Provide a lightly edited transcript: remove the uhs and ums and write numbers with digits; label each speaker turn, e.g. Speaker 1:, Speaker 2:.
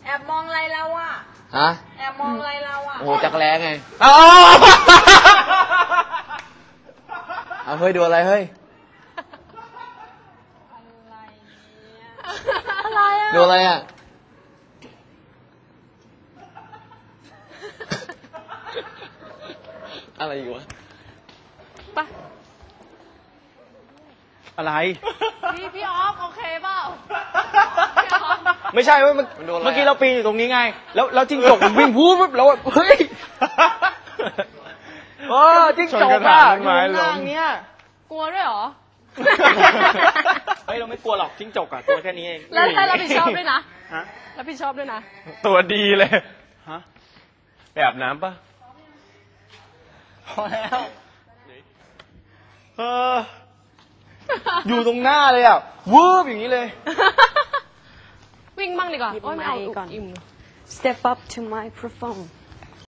Speaker 1: แอบมองอะไรเราอ่ะ
Speaker 2: ฮะ
Speaker 1: แอบมองอะไรเราอ่ะ
Speaker 2: โอ้โหจักรแล้ไงเอาเฮ้ยดูอะไรเฮ้ย
Speaker 1: อะไรอ่ะ
Speaker 2: ดูอะไรอ่ะอะไรอยู่วะ
Speaker 1: ปะ
Speaker 3: อะไร
Speaker 1: พี่ออฟโอเคเปล่า
Speaker 3: ไม่ใช่เว้ยเมื่อกี้เราปีนอยู่ตรงนี้ไงแล้วจิ้งจกมันวิ่งวูบเราเฮ้ยจิ้งจกอะอยู่ข้างเนี้ย
Speaker 1: กลัวด้วยเหรอ
Speaker 3: เฮ้ยเราไม่กลัวหรอกจิ้งจกอะตัวแค่นี้เอง
Speaker 1: แล้วให้รับผิดชอบด้วยนะ
Speaker 3: ฮะ
Speaker 1: รับผิดชอบด้วยนะ
Speaker 4: ตัวดีเลย
Speaker 3: ฮะ
Speaker 4: ไปอาบน้ำปะ
Speaker 3: พอแล้วอยู่ตรงหน้าเลยอ่ะวืบอย่างนี้เลย
Speaker 1: วิ่งบ้างดีกว่าโอ้ยไม่เอาอิ่ม
Speaker 5: Step up to microphone